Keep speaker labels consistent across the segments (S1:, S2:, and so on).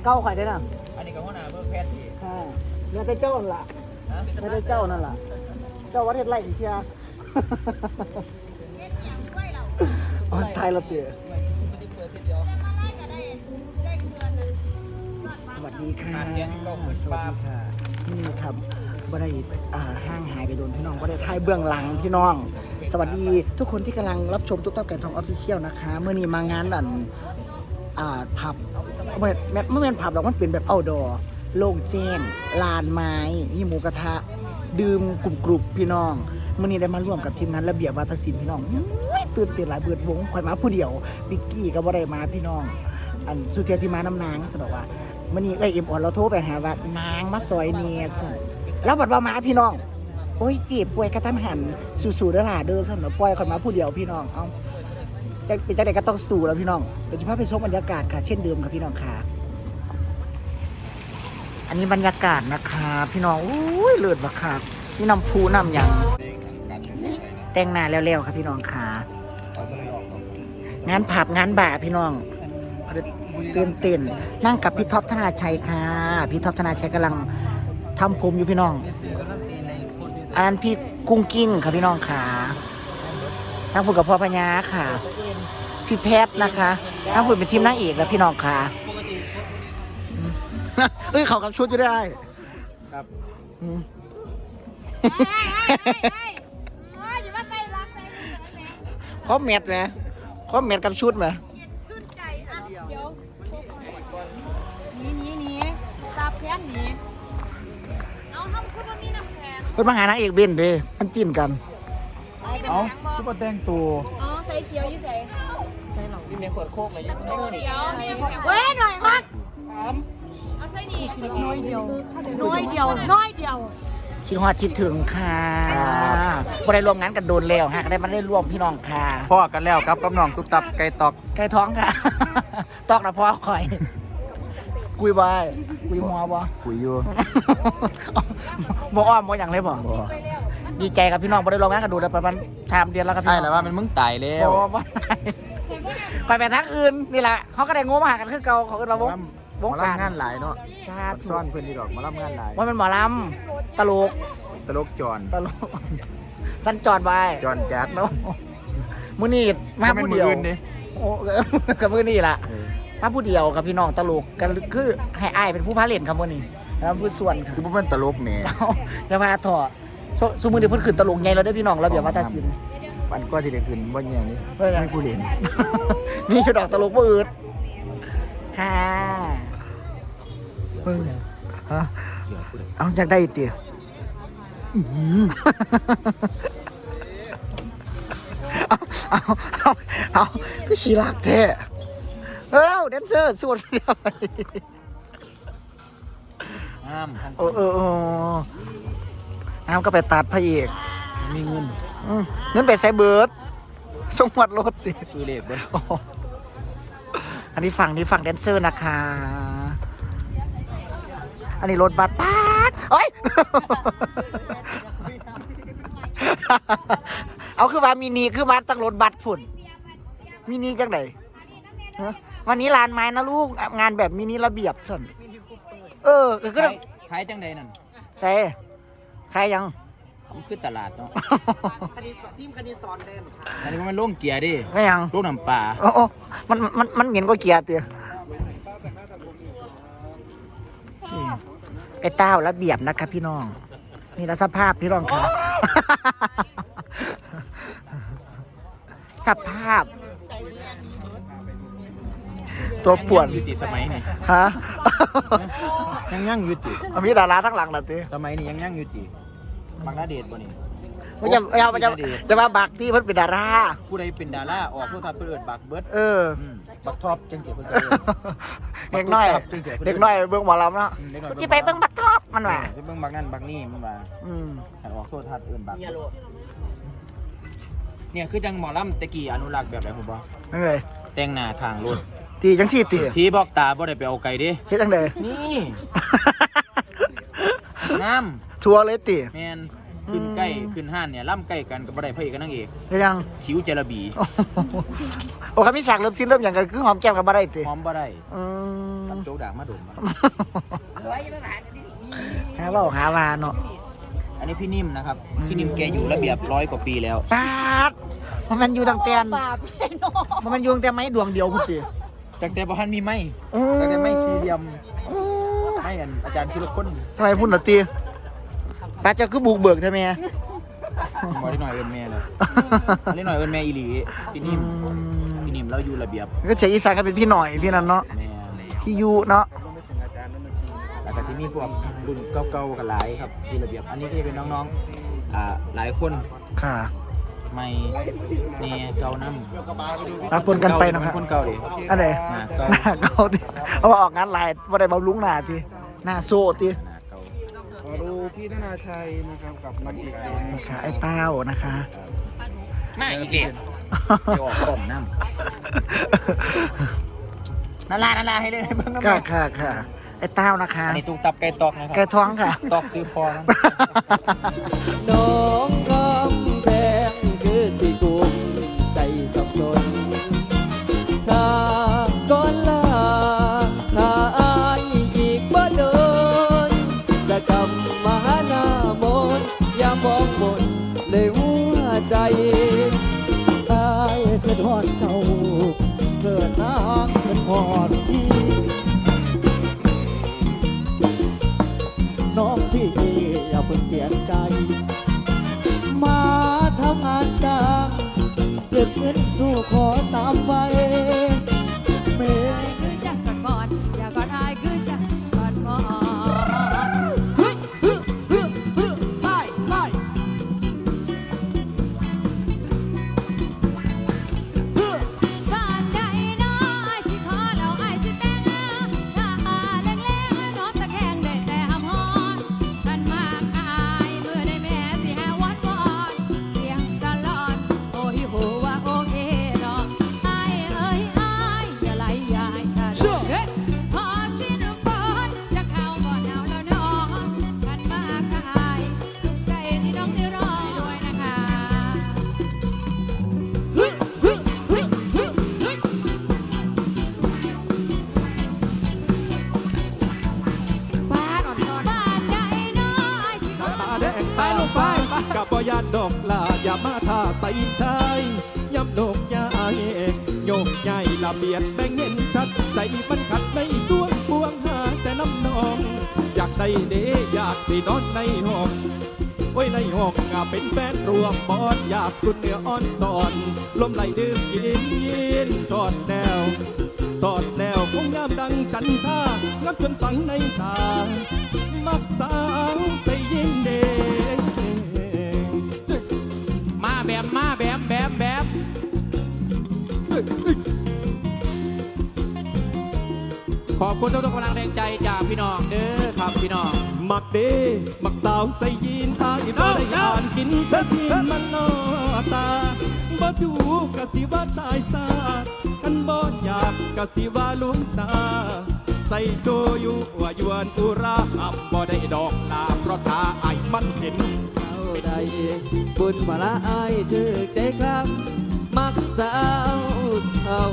S1: เก้าข่อยได้น่ะ
S2: อันนี้ก็หัวหน้าเพิ่มแพทย์อีก
S1: ค่ะเนี่ยแต่เจ้านั่นล่ะเนี่ยแต่เจ้านั่นล่ะเจ้าวัดเฮ็ดไรเชียอ๋อไทยละเตี๋ยสวัสดีค่ะสวัสดีค่ะนี่ครับบ่ได้ห้างหายไปโดนพี่น้องบ่ได้ถ่ายเบื้องหลังพี่น้อง สวัสดีทุกคนที่กำลังรับชมตุ๊กตาแก่ทองออฟฟิเชียลนะคะเมื่อนี้มางานผับไม่เป็นผับหรอกมันเป็นแบบเอาท์ดอร์โล่งแจ้งลานไม้มีหมูกระทะดื่มกลุ่มพี่น้องเมื่อนี้ได้มาร่วมกับทีมงานระเบียบวาทศิลป์พี่น้องตื่นเต้นหลายเบิดวงข่อยมาผู้เดียวบิ๊กกี้ก็บ่ได้มาพี่น้องอันสุเทียสิมาน้ำนางสะดอกว่ามื่อนี้เอ็มอ่อนเราโทรไปหาว่านางมาซอยเนียสั่นแล้วบัดว่ามาพี่น้องโอ้ยจีบป่วยกระทันหันสู่เด้อล่ะเด้อสั่นปล่อยข่อยมาผู้เดียวพี่น้องเอาจะเป็นจังได๋ก็ต้องสู้แล้วพี่น้องเดี๋ยวจะพาไปชมบรรยากาศค่ะเช่นเดิมค่ะพี่น้องค่ะอันนี้บรรยากาศนะคะพี่น้องอุ้ยเลิศบักคักนี่น้ำพุน้ำหยังแต่งหน้าแล้วๆครับพี่น้องค่ะงานผับงานบ่าพี่น้องตื่นเต้นนั่งกับพี่ท็อปธนาชัยค่ะพี่ท็อปธนาชัยกำลังทำผมอยู่พี่น้องอันนั้นพี่กุ้งกิ้งค่ะพี่น้องค่ะนั่งพูดกับพ่อพญาค่ะพี่แพทนะคะนั่งพูดเป็นทีมนางเอกแล้วพี่น้องค่ะเอ้ยเขากับชุดอยู่ได้ครับพร้อมเม็ดไหมพร้อมเม็ดกับชุดไหม
S3: ชื่นใจอ่ะเดี๋ยวนี่ตาแพนนี่เอาทำคือตอนนี้น้ำแข็ง
S1: เพิ่นมาหานางเอกเบนเด้มันจิ้นกัน
S2: เอาซุปเปอร์แต่งตัว
S3: อ๋อใส่เขียวอยู่ใส่
S2: หลงกินในขวดโคกเลย
S3: ตะโกนเขียวมีเว้ยหน่อยครับเอาใส่นี่น้อยเดียว
S1: คิดฮอดคิดถึงค่ะบ่ได้ร่วมงานกันโดนแล้วฮะก็ได้มาได้ร่วมพี่น้องค่ะ
S2: พ่อกันแล้วครับกับน้องตุ๊กตับไก่ตอก
S1: ไก่ท้องค่ะ ตอกนะพ่อคอยกุยบายกุยหัวบ่
S2: คุยอยู่
S1: บ่อ้อมบ่อย่างเลยบ่ดีใจกับพี่น้องบ่ได้ร่วมงานกันโดนแล้วประมาณ3 เดือนแล้วครับพี่น้อง
S2: ใช่แล้วว่ามันมึงตายแล้ว
S1: ไปไปทางอื่นนี่แหละเขาก็ได้งมหากันคือเก่าเขาก็มาวงการ
S2: งานหลายเนาะซ่อนเพื่อนดีดอกมารับงานหลาย
S1: ว่าเป็นหมอลำตลก
S2: จอน
S1: สั้นจอดไป
S2: จอนจัด
S1: เนาะมื้อนี้มาผู้เดียวโอ้กับมื้อนี้ล่ะมาผู้เดียวกับพี่น้องตลกกันคือให้อ้ายเป็นผู้พาเล่นครับมื้อนี้แล้วผู้ส่วน
S2: คือบ่เป็นตลกแหน่
S1: จะมาถอดซุมื้อนี้เพิ่นขึ้นตลกใหญ่แล้วเด้อพี่น้องระเบียบวัฒนศิลป์
S2: ปันก็สิได้ขึ้นบ่ใหญ่นี่ให้ผู้เล่น
S1: มีดอกตลกบ่อืดค่ะเพิ่งฮะเอาอยากได้ติเอาคือขี้รักแท้แดนเซอร์ส่วนเดียวน้ำก็ไปตัดพระเอก
S2: มีเงิน
S1: ไปใส่เบิร์ดส่งวัดรถติ
S2: ซื้อเลขด้วย
S1: อันนี้ฝั่งแดนเซอร์นะคะอันนี้รถบัสป๊าดโอ้ยเอาคือว่ามินิคือมาตั้งรถบัสผุ่นมินิจังไหนวันนี้ลานไม้นะลูกงานแบบมินิระเบียบสั่นก็
S2: ขายจังใดนั่น
S1: ใช่ขายยัง
S2: มันคือตลาดเนาะ
S1: ทีมคณิตสอนเดิน
S2: อันนี้มันลงเกียร์ดิ
S1: ไม่ยัง
S2: ลูกน้ำปลา
S1: มันเหม็นกว่าเกียร์เตี้ยไอ้เต้าระเบียบนะครับพี่น้องนี่ละสภาพพี่น้องครับสภาพตัวป่วน
S2: ยุติสมัยนี่
S1: ฮะ
S2: ยังยุติ
S1: มีดาราทั้งหลังน่ะติ
S2: สมัยนี้ยังยุติบางนาเดชบ่นี่
S1: จะมาบักที่เพิ่นเป็นดารา
S2: ผู้ใดเป็นดาราออกโทรทัศน์เปิดบักเบิดบักท็อปจังเจี๋ยเพิ่น
S1: เด็กน้อยเบิ่งหมอลำเนาะสิไปเบิ่งบักท็อปมันว่า
S2: ไปเบิ่งบักนั่นบักนี่มันว่าให้ออกโทรทัศน์เอิ้นบักเนี่ยคือจังหมอลำตะกี้อนุรักษ์แบบไหนผมบ่
S1: นั่นเลย
S2: แต่งหน้าข้างรถ
S1: ตีจังซี่ตี
S2: สีบอกตาบ่ได้ไปเอาไก่ดิ
S1: เฮ็ดจังได๋
S2: นี่น้
S1: ำทัวเลยติ
S2: แม่นขึ้นใกล้ขึ้นห้านเนี่ยล่ำใกล้กันกับบ่ได้พระเอกกับนางเอก
S1: ยัง
S2: ชิวเจระบี
S1: โอ้ครับมีฉากเริ่มสิ้นเริ่มอย่างกันคือหอมแก้มกับบ่ได้ติ
S2: พร้อมบ่ได้
S1: ม
S2: ตับโจกด่างมาดม
S1: หาเว้าหาวาเนาะ
S2: อันนี้พี่นิ่มนะครับพี่นิ่มแกอยู่ระเบียบ100 กว่าปีแล้ว
S1: ปาดมันอยู่ตั้งแต่
S3: บาปเลยเนาะ
S1: มันอยู่ตั้งแต่ไม้ดวงเดียวพุ่นติ
S2: ตั้งแต่บ่ทันมีไม้ตั้งแต่ไม้สี่เหลี่ยมไม้อันอาจารย์ชุลพล
S1: สมัยพุ่นน่ะติปาดเจ้าคือบุกเบิกใช่มั้ย
S2: บ่ได้หน่อยเอิ้นแม่เลยได้หน่อยเอิ้นแม่อีหลีพี่นิ่มเราอยู่ระเบียบ
S1: ก็เสียงอีสานก็เป็นพี่หน่อยพี่นั่นเนาะ
S2: แม่
S1: พี่ยูเนาะ
S2: แล้วก็ที่มีพวกรุ่นเก่าๆกันหลายครับที่ระเบียบอันนี้ก็จะเป็นน้องๆหลายคน
S1: ค่ะ
S2: ไม่เนี่ยเก่าน้ำ
S1: รับปนกันไปนะครับ
S2: คนเก่าดิ
S1: อันไหน
S2: ห
S1: ห
S2: น้า
S1: น้า
S2: เก่า
S1: เก่าติเอามาออกงานหลายบ่ได้บำรุงหน้าติหน้าโซติ
S2: หน้าเก่า
S4: ขอดูพี่ธนาชัยนะครับกับนักเอกเอง
S1: นะคะไอ้เต้านะคะ
S2: มาอีกเด็กจะออกกล่องน้ำนาราให้เลยเบิ่งน้ำ
S1: ค่ะไอ้เต้านะคะ
S2: อันนี้ตุ้งตับไก่ตอกนะครั
S1: แกท้องค่ะ
S2: ตอกซื้อพอนะ
S5: น้องกำแพงคือสิกุมใจสับสนถ้าก่อนลาถ้าอายอีกบ่เดินจะกำมาหน้ามนต์อย่ามองบนเลยหัวใจอายเกิดหอดเจ้าเกิดนางเกิดหอดพี่ น้องพี่อย่าเพิ่งเปลี่ยนใจ มาทำงานจ้างเก็บเงินสู้ขอตามไปเม
S3: คือจักก่อนอย่าก่อนอายคือจักก่อนบ่ไปบ้านใดน้อยสิขอเราอายสิแต่งถ้าหาแรงๆน้องตะแคงได้แต่หำฮอนท่านมากอายเมื่อได้แม่สิหาวันวอนเสียงสลอนโอ้ยโหว่าโอเคเนาะอายเอ้ยอายอย่าไหลอย่าให้ขาดเฮ้ยพอสิ้นฝนจะเข้าบ่หนาวแล้วเนาะท่านมากอายสุขใจที่น้องได้รอด้วยนะคะ บ้านอ่อนซอนบ้านใดน้อยสิขอ
S5: ตาแดงตาลงไปกับบ่ยานดอกลาอย่ามาท่าใส่ชายย้ำดอกยายโยกใหญ่ละเบียดแบ่งเห็นชัดใจมันขัดในดวงพวงหาแต่น้ำนอง อยากได้เดอยากสินอนในห้องไว้ในห้องเป็นแฟนรวมบอดอยากคุณเนื้ออ่อนตอนลมไหลดื่มยินทอดแล้วคงงามดังจันทรางับจนฝังในตามักสาวไปยิ่งเด็กมาแบมขอบคุณทุกกำลังแรงใจจากพี่น้องเด้อครับพี่น้องมักเด้มักสาวใส่ยีนอายบ่ได้อ่านกินแต่ที่มันนอตาบ่ดูกะสิว่าตายซาคันบ่อยากกะสิว่าลุงตาใส่โชยุว่ายวนอุราอับบ่ได้ดอกลาเพราะตาไอ้มันเจ็นเอาได้บุญมาละอายถือใจครับมักสาวเท่า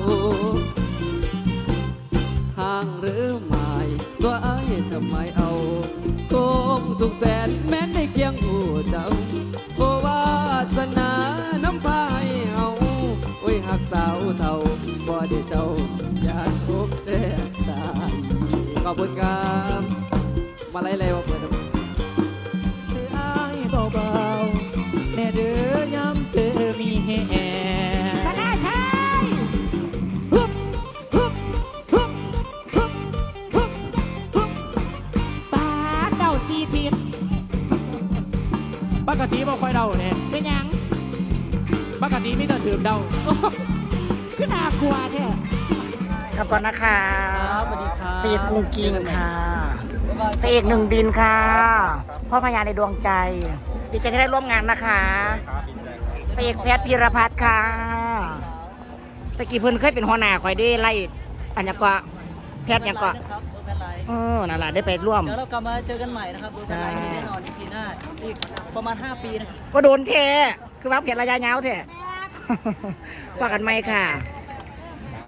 S5: ห่างหรือไม่ตัวไอ้ทำไมเอาโกงทุกแสนแม้นในเคียงหูเจ้าโอวาสนาน้ำพายเอาโอ้ยหักสาวเท่าบ่ได้เจ้าอยากพบแต่ตายขอบคุณครับมาไล่เลยว่าเปิดเธอไอ้เบาๆแน่เด้อยำเธอมีแห่ปกติบ่ค่อยเดาเนี่ยเป็นยังปกติมีแต่ถือเดาขึ้นน่ากลัวแท้
S1: ครับก่อนนะคะ
S5: สวัสดีครับ
S1: พระเอกกุ้งกิ้งค่ะพระเอกหนึ่งดินค่ะพ่อพญาในดวงใจดีใจที่ได้ร่วมงานนะคะพระเอกแพทย์พีรพัฒน์ค่ะตะกี้เพิ่นเคยเป็นหัวหน้าคอยได้ไล่อันยังก็แพทย์ยังก็นั่นแหละได้ไปร่วม
S6: เดี๋ยวเรากลับมาเจอกันใหม่นะครับโดยสลายมีแน่นอนอีพีหน้าอีกประมาณ 5 ปีนะครับ
S1: ก็โดนเทคือว่าเพียรระยะยาวแท้ว่ากันไหมค่ะ